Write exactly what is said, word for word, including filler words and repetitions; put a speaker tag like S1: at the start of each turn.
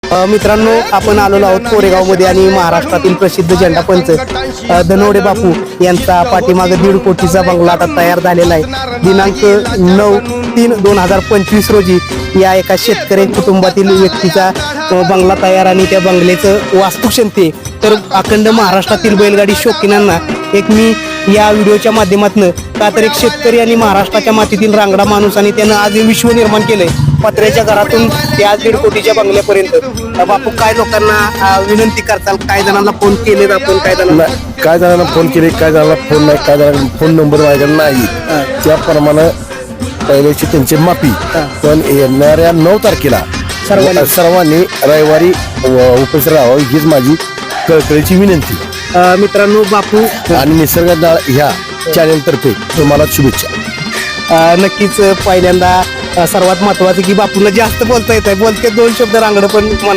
S1: अ, मित्रांनो आपण आलेलो आहोत कोरेगावमध्ये आणि महाराष्ट्रातील प्रसिद्ध झेंडापंच अ, धनवडे बापू यांचा पाठीमागे दीड कोटीचा बंगला आता तयार झालेला आहे. दिनांक नऊ तीन दोन हजार पंचवीस रोजी या एका शेतकरी कुटुंबातील व्यक्तीचा अ, बंगला तयार आणि त्या बंगल्याचं वास्तुक्षमते तर अखंड महाराष्ट्रातील बैलगाडी शौकीनांना एक मी या व्हिडिओच्या माध्यमातून का तर एक शेतकरी आणि महाराष्ट्राच्या मातीतील रांगडा माणूस आणि त्यानं आज हे विश्व निर्माण केलंय पत्र्याच्या घरातून ते आज दीड कोटीच्या बंगल्यापर्यंत. अ, बापू काय लोकांना अ, विनंती करताल, काय जणांना फोन केले आपण, काय जणांना
S2: काय जणांना फोन केले, काय जणांना फोन नाही, काय जणांना फोन नंबर माझ्याकडे नाही. त्याप्रमाणे पहिल्याची त्यांची माफी. पण येणाऱ्या नऊ तारखेला
S1: सर्वांनी
S2: सर्वांनी रविवारी उपस्थित राहावं हीच माझी कळकळीची विनंती.
S1: अ, मित्रांनो बापू
S2: आणि निसर्गदाळ ह्या चॅनेल तर्फे तुम्हाला शुभेच्छा.
S1: अ, नक्कीच पहिल्यांदा अ, सर्वात महत्वाचं की बापूला जास्त बोलता येत आहे, बोलते दोन शब्द रांगडं पण